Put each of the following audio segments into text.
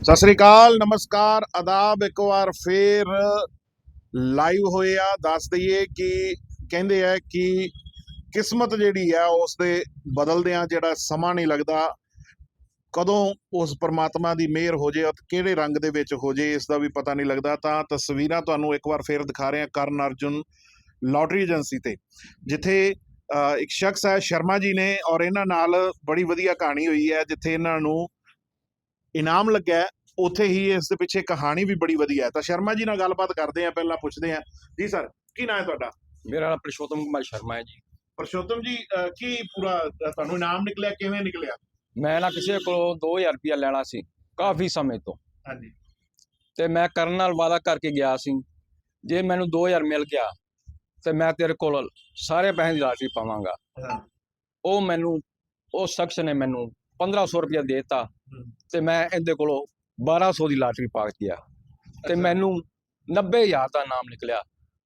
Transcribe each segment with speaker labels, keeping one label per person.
Speaker 1: ਸਤਿ ਸ੍ਰੀ ਅਕਾਲ, ਨਮਸਕਾਰ, ਆਦਾਬ। ਇੱਕ ਵਾਰ ਫੇਰ ਲਾਈਵ ਹੋਏ ਆ। ਦੱਸ ਦਈਏ ਕਿ ਕਹਿੰਦੇ ਆ ਕਿ ਕਿਸਮਤ ਜਿਹੜੀ ਆ ਉਸ ਦੇ ਬਦਲਦਿਆਂ ਜਿਹੜਾ ਸਮਾਂ ਨਹੀਂ ਲੱਗਦਾ, ਕਦੋਂ ਉਸ ਪਰਮਾਤਮਾ ਦੀ ਮਿਹਰ ਹੋ ਜੇ ਅਤੇ ਕਿਹੜੇ ਰੰਗ ਦੇ ਵਿੱਚ ਹੋ ਜੇ ਇਸ ਦਾ ਵੀ ਪਤਾ ਨਹੀਂ ਲੱਗਦਾ। ਤਾਂ ਤਸਵੀਰਾਂ ਤੁਹਾਨੂੰ ਇੱਕ ਵਾਰ ਫੇਰ ਦਿਖਾ ਰਹੇ ਹਾਂ ਕਰਨ ਅਰਜੁਨ ਲਾਟਰੀ ਏਜੰਸੀ ਤੇ, ਜਿੱਥੇ ਇੱਕ ਸ਼ਖਸ ਹੈ ਸ਼ਰਮਾ ਜੀ ਨੇ, ਔਰ ਇਹਨਾਂ ਨਾਲ ਬੜੀ ਵਧੀਆ ਕਹਾਣੀ ਹੋਈ ਹੈ। ਜਿੱਥੇ ਇਹਨਾਂ ਨੂੰ ਇਨਾਮ ਲੱਗਾ ਹੈ, ਉੱਥੇ ਹੀ ਇਸ ਦੇ ਪਿੱਛੇ ਕਹਾਣੀ ਵੀ ਬੜੀ ਵਧੀਆ ਹੈ। ਤਾਂ ਸ਼ਰਮਾ ਜੀ ਨਾਲ ਗੱਲਬਾਤ ਕਰਦੇ ਆ, ਪਹਿਲਾਂ ਪੁੱਛਦੇ ਆ ਜੀ ਸਰ, ਕੀ ਨਾਂ ਹੈ ਤੁਹਾਡਾ?
Speaker 2: ਮੇਰਾ ਨਾਮ ਪ੍ਰਸ਼ੋਤਮ ਕੁਮਾਰ ਸ਼ਰਮਾ ਹੈ ਜੀ।
Speaker 1: ਪ੍ਰਸ਼ੋਤਮ ਜੀ, ਕੀ ਪੂਰਾ ਤੁਹਾਨੂੰ ਇਨਾਮ ਨਿਕਲਿਆ, ਕਿਵੇਂ ਨਿਕਲਿਆ?
Speaker 2: ਮੈਂ ਨਾ ਕਿਸੇ ਕੋਲੋਂ 2000 ਰੁਪਇਆ ਲੈਣਾ ਸੀ ਕਾਫੀ ਸਮੇਂ ਤੋਂ,
Speaker 1: ਹਾਂਜੀ,
Speaker 2: ਤੇ ਮੈਂ ਕਰਨ ਨਾਲ ਵਾਅਦਾ ਕਰਕੇ ਗਿਆ ਸੀ, ਜੇ ਮੈਨੂੰ 2000 ਮਿਲ ਗਿਆ ਤੇ ਮੈਂ ਤੇਰੇ ਕੋਲ ਸਾਰੇ ਪੈਸੇ ਦੀ ਲਾਟਰੀ ਪਾਵਾਂਗਾ।
Speaker 1: ਹਾਂ,
Speaker 2: ਉਹ ਮੈਨੂੰ ਉਸ ਸ਼ਖਸ ਨੇ ਮੈਨੂੰ 1500 ਰੁਪਇਆ ਦੇਤਾ ਤੇ ਮੈਂ ਇਹਦੇ ਕੋਲੋਂ 1200 ਦੀ ਲਾਟਰੀ ਪਾ ਗਿਆ ਤੇ ਮੈਨੂੰ 90000 ਦਾ ਨਾਮ ਨਿਕਲਿਆ।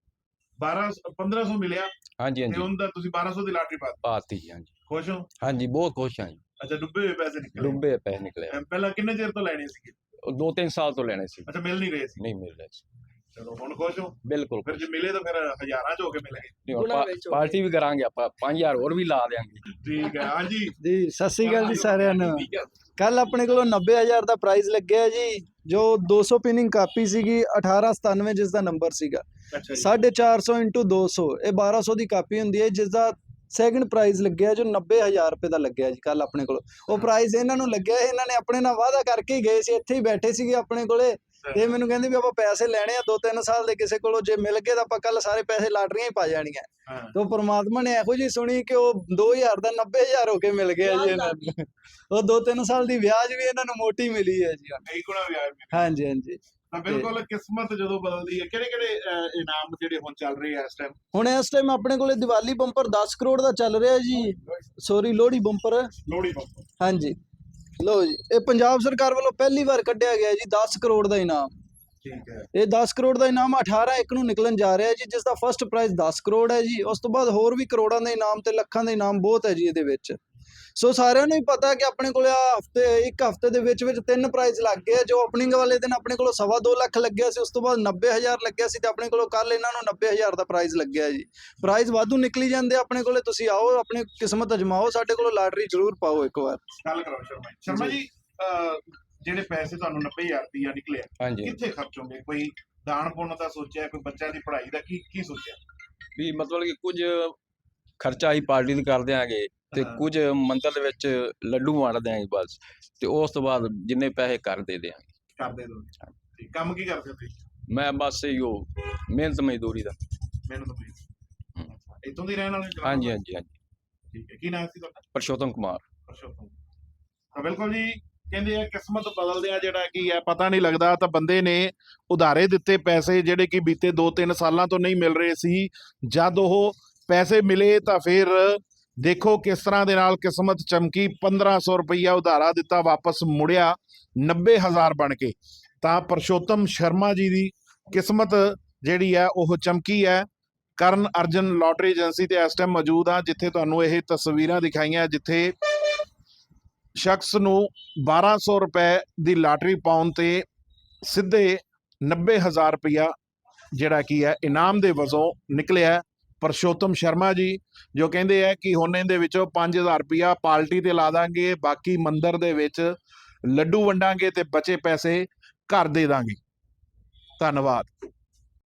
Speaker 1: 1500 ਮਿਲਿਆ
Speaker 2: ਹਾਂਜੀ
Speaker 1: ਤੇ
Speaker 2: ਹਾਂਜੀ,
Speaker 1: ਉਹਦਾ ਤੁਸੀਂ 1200 ਦੀ ਲਾਟਰੀ ਪਾ
Speaker 2: ਪਾਤੀ ਜੀ। ਹਾਂਜੀ
Speaker 1: ਖੁਸ਼ ਹੋ?
Speaker 2: ਹਾਂਜੀ, ਬਹੁਤ ਖੁਸ਼ ਹਾਂ ਜੀ।
Speaker 1: ਅੱਛਾ, ਡੁੱਬੇ ਹੋਏ ਪੈਸੇ ਨਿਕਲੇ?
Speaker 2: ਡੁੱਬੇ ਪੈਸੇ ਨਿਕਲੇ।
Speaker 1: ਪਹਿਲਾਂ ਕਿੰਨੇ ਚਿਰ ਤੋਂ ਲੈਣੇ ਸੀਗੇ?
Speaker 2: 2-3 ਸਾਲ ਤੋਂ ਲੈਣੇ ਸੀ,
Speaker 1: ਅੱਛਾ, ਮਿਲ ਨਹੀਂ ਰਹੇ ਸੀ?
Speaker 2: ਨਹੀਂ ਮਿਲ ਰਹੇ ਸੀ।
Speaker 1: ਚਲੋ, ਹੁਣ ਖੁਸ਼ ਹੋ?
Speaker 2: ਬਿਲਕੁਲ
Speaker 1: ਫਿਰ ਜੇ ਮਿਲੇ ਤਾਂ ਫਿਰ ਹਜ਼ਾਰਾਂ ਚ ਹੋ ਕੇ ਮਿਲਣਗੇ।
Speaker 2: ਨਹੀਂ, ਹੁਣ ਪਾਰਟੀ ਵੀ ਕਰਾਂਗੇ ਆਪਾਂ, 5000 ਹੋਰ ਵੀ ਲਾ ਦੇਾਂਗੇ।
Speaker 1: ਠੀਕ ਹੈ। ਹਾਂਜੀ
Speaker 3: ਜੀ ਸਤਿ ਸ੍ਰੀ ਅਕਾਲ ਜੀ ਸਾਰਿਆਂ ਨੂੰ। ਕੱਲ ਆਪਣੇ ਕੋਲੋਂ 90000 ਦਾ ਪ੍ਰਾਈਜ਼ ਲੱਗਿਆ ਜੀ, ਜੋ 200 ਪਿਨਿੰਗ ਕਾਪੀ ਸੀਗੀ 1897 ਜਿਸ ਦਾ ਨੰਬਰ ਸੀਗਾ।
Speaker 1: ਅੱਛਾ ਜੀ,
Speaker 3: 450 × 200 ਇਹ 1200 ਦੀ ਕਾਪੀ ਹੁੰਦੀ ਹੈ, ਜਿਸ ਦਾ ਸੈਕਿੰਡ ਪ੍ਰਾਈਜ਼ ਲੱਗਿਆ ਜੋ 90000 ਰੁਪਏ ਦਾ ਲੱਗਿਆ ਜੀ ਕੱਲ ਆਪਣੇ ਕੋਲ। ਉਹ ਪ੍ਰਾਈਜ਼ ਇਹਨਾਂ ਨੂੰ ਲੱਗਿਆ, ਇਹਨਾਂ ਨੇ ਆਪਣੇ ਨਾਲ ਵਾਅਦਾ ਕਰਕੇ ਹੀ ਗਏ ਸੀ, ਇੱਥੇ ਹੀ ਬੈਠੇ ਸੀਗੇ ਆਪਣੇ ਕੋਲੇ, ਤੇ ਮੈਨੂੰ ਕਹਿੰਦੇ ਵੀ ਆਪਾਂ ਪੈਸੇ ਲੈਣੇ ਆ 2-3 ਸਾਲ ਦੇ ਕਿਸੇ ਕੋਲੋਂ, ਜੇ ਮਿਲ ਗਏ ਤਾਂ ਆਪਾਂ ਕੱਲ ਸਾਰੇ ਪੈਸੇ ਲਾਟਰੀਆਂ ਹੀ ਪਾ ਜਾਣੀਆਂ।
Speaker 1: ਹਾਂ,
Speaker 3: ਤੇ ਪਰਮਾਤਮਾ ਨੇ ਇਹੋ ਜਿਹੀ ਸੁਣੀ ਕਿ ਉਹ 2000 ਦਾ 90000 ਹੋ ਕੇ ਮਿਲ ਗਿਆ ਜੀ ਇਹਨਾਂ ਨੂੰ। ਉਹ 2-3 ਸਾਲ ਦੀ ਵਿਆਜ ਵੀ ਇਹਨਾਂ ਨੂੰ ਮੋਟੀ ਮਿਲੀ ਹੈ ਜੀ।
Speaker 1: ਕਈ ਗੁਣਾ ਵਿਆਜ ਮਿਲਿਆ।
Speaker 3: ਹਾਂਜੀ ਹਾਂਜੀ,
Speaker 1: ਤਾਂ ਬਿਲਕੁਲ ਕਿਸਮਤ ਜਦੋਂ ਬਦਲਦੀ ਹੈ। ਕਿਹੜੇ ਕਿਹੜੇ ਇਨਾਮ ਜਿਹੜੇ ਹੁਣ ਚੱਲ ਰਹੇ ਆ ਇਸ ਟਾਈਮ?
Speaker 3: ਹੁਣ ਇਸ ਟਾਈਮ ਆਪਣੇ ਕੋਲੇ ਦੀਵਾਲੀ ਬੰਪਰ 10 ਕਰੋੜ ਦਾ ਚੱਲ ਰਿਹਾ ਜੀ, sorry Lohri bumper.
Speaker 1: Lohri bumper?
Speaker 3: ਹਾਂਜੀ, ਲੋ ਜੀ, ਇਹ ਪੰਜਾਬ ਸਰਕਾਰ ਵੱਲੋਂ ਪਹਿਲੀ ਵਾਰ ਕੱਢਿਆ ਗਿਆ ਜੀ 10 ਕਰੋੜ ਦਾ ਇਨਾਮ।
Speaker 1: ਠੀਕ ਹੈ।
Speaker 3: ਇਹ 10 ਕਰੋੜ ਦਾ ਇਨਾਮ 18/1 ਨੂੰ ਨਿਕਲਣ ਜਾ ਰਿਹਾ ਜੀ, ਜਿਸ ਦਾ ਫਸਟ ਪ੍ਰਾਈਜ਼ 10 ਕਰੋੜ ਹੈ ਜੀ। ਉਸ ਤੋਂ ਬਾਅਦ ਹੋਰ ਵੀ ਕਰੋੜਾਂ ਦੇ ਇਨਾਮ ਤੇ ਲੱਖਾਂ ਦੇ ਇਨਾਮ ਬਹੁਤ ਹੈ ਜੀ ਇਹਦੇ ਵਿੱਚ। ਸੋ ਸਾਰਿਆਂ ਨੂੰ ਹੀ ਪਤਾ ਕਿ ਆਪਣੇ ਕੋਲ ਇੱਕ ਹਫ਼ਤੇ ਦੇ ਵਿੱਚ 3 ਪ੍ਰਾਈਜ਼ ਲੱਗ ਗਏ। ਜੋ ਓਪਨਿੰਗ ਵਾਲੇ ਦਿਨ ਆਪਣੇ ਕੋਲ 2.25 ਲੱਖ ਲੱਗਿਆ ਸੀ, ਉਸ ਤੋਂ ਬਾਅਦ 90000 ਲੱਗਿਆ ਸੀ, ਤੇ ਆਪਣੇ ਕੋਲ ਕੱਲ ਇਹਨਾਂ ਨੂੰ 90000 ਦਾ ਪ੍ਰਾਈਜ਼ ਲੱਗਿਆ ਜੀ। ਪ੍ਰਾਈਜ਼ ਵਾਧੂ ਨਿਕਲੀ ਜਾਂਦੇ ਆਪਣੇ ਕੋਲੇ, ਤੁਸੀਂ ਆਓ ਆਪਣੀ ਕਿਸਮਤ ਅਜਮਾਓ, ਸਾਡੇ ਕੋਲ ਲਾਟਰੀ ਜ਼ਰੂਰ ਪਾਓ ਇੱਕ ਵਾਰ।
Speaker 1: ਗੱਲ ਕਰੋ ਸ਼ਰਮਾ ਜੀ। ਸ਼ਰਮਾ ਜੀ, ਜਿਹੜੇ ਪੈਸੇ ਤੁਹਾਨੂੰ 90000 ਰੁਪਇਆ ਨਿਕਲਿਆ,
Speaker 2: ਹਾਂਜੀ,
Speaker 1: ਕਿੱਥੇ ਖਰਚੋਗੇ? ਕੋਈ ਦਾਨ ਪੁੰਨ ਦਾ ਸੋਚਿਆ? ਕੋਈ ਬੱਚਿਆਂ ਦੀ ਪੜ੍ਹਾਈ ਦਾ ਕੀ ਸੋਚਿਆ?
Speaker 2: ਵੀ ਮਤਲਬ ਕਿ ਕੁਝ ਖਰਚਾ ਹੀ ਪਾਰਟੀ ਦਾ ਕਰ ਦਿਆਂਗੇ ਤੇ
Speaker 1: ਹਾਂ।
Speaker 2: ਕੁਝ ਮੰਦਰ ਦੇ ਵਿੱਚ ਲੱਡੂ ਵੰਡ ਦਿਆਂਗੇ ਬਸ, ਤੇ ਉਸ ਤੋਂ ਬਾਅਦ ਜਿੰਨੇ ਪੈਸੇ ਕਰ ਦੇ ਦਿਆਂਗੇ।
Speaker 1: ਕਰਦੇ ਦੋ। ਠੀਕ, ਕੰਮ ਕੀ ਕਰਦੇ ਤੁਸੀਂ?
Speaker 2: ਮੈਂ ਬਸ ਇਹੋ ਮਿਹਨਤ ਮਜ਼ਦੂਰੀ ਦਾ।
Speaker 1: ਮੈਨੂੰ ਤਾਂ ਇੱਥੋਂ ਦੀ ਰਹਿਣ ਵਾਲੇ?
Speaker 2: ਹਾਂਜੀ ਹਾਂਜੀ ਹਾਂਜੀ,
Speaker 1: ਠੀਕ ਹੈ। ਕੀ ਨਾਮ ਸੀ ਤੁਹਾਡਾ?
Speaker 2: ਪ੍ਰਸ਼ੋਤਮ ਕੁਮਾਰ।
Speaker 1: ਪਰਸ਼ੋਤਮ। ਤਾਂ ਬਿਲਕੁਲ ਜੀ, ਕਹਿੰਦੇ ਆ ਕਿਸਮਤ ਬਦਲਦੇ ਆ ਜਿਹੜਾ ਕੀ ਹੈ ਪਤਾ ਨਹੀਂ ਲੱਗਦਾ। ਤਾਂ ਬੰਦੇ ਨੇ ਉਧਾਰੇ ਦਿੱਤੇ ਪੈਸੇ ਜਿਹੜੇ ਕਿ ਬੀਤੇ 2-3 ਸਾਲਾਂ ਤੋਂ ਨਹੀਂ ਮਿਲ ਰਹੇ ਸੀ, ਜਦ ਉਹ ਪੈਸੇ ਮਿਲੇ ਤਾਂ ਫਿਰ ਦੇਖੋ ਕਿਸ ਤਰ੍ਹਾਂ ਦੇ ਨਾਲ ਕਿਸਮਤ ਚਮਕੀ। 1500 ਰੁਪਈਆ ਉਧਾਰਾ ਦਿੱਤਾ, ਵਾਪਸ ਮੁੜਿਆ 90000 ਬਣ ਕੇ। ਤਾਂ ਪ੍ਰਸ਼ੋਤਮ ਸ਼ਰਮਾ ਜੀ ਦੀ ਕਿਸਮਤ ਜਿਹੜੀ ਹੈ ਉਹ ਚਮਕੀ ਹੈ। ਕਰਨ ਅਰਜਨ ਲਾਟਰੀ ਏਜੰਸੀ ਤੇ ਇਸ ਟਾਈਮ ਮੌਜੂਦ ਆ, ਜਿੱਥੇ ਤੁਹਾਨੂੰ ਇਹ ਤਸਵੀਰਾਂ ਦਿਖਾਈਆਂ, ਜਿੱਥੇ ਸ਼ਖਸ ਨੂੰ 1200 ਰੁਪਏ ਦੀ ਲਾਟਰੀ ਪਾਉਣ ਤੇ ਸਿੱਧੇ 90000 ਰੁਪਇਆ ਜਿਹੜਾ ਕੀ ਹੈ ਇਨਾਮ ਦੇ ਵਜੋਂ ਨਿਕਲਿਆ। ਪ੍ਰਸ਼ੋਤਮ ਸ਼ਰਮਾ ਜੀ ਜੋ ਕਹਿੰਦੇ ਆ ਕਿ ਹੁਣ ਇਹਦੇ ਵਿੱਚੋਂ 5000 ਰੁਪਇਆ ਪਾਰਟੀ ਤੇ ਲਾ ਦਾਂਗੇ, ਬਾਕੀ ਮੰਦਰ ਦੇ ਵਿੱਚ ਲੱਡੂ ਵੰਡਾਂਗੇ ਤੇ ਬਚੇ ਪੈਸੇ ਘਰ ਦੇ ਦਾਂਗੇ। ਧੰਨਵਾਦ।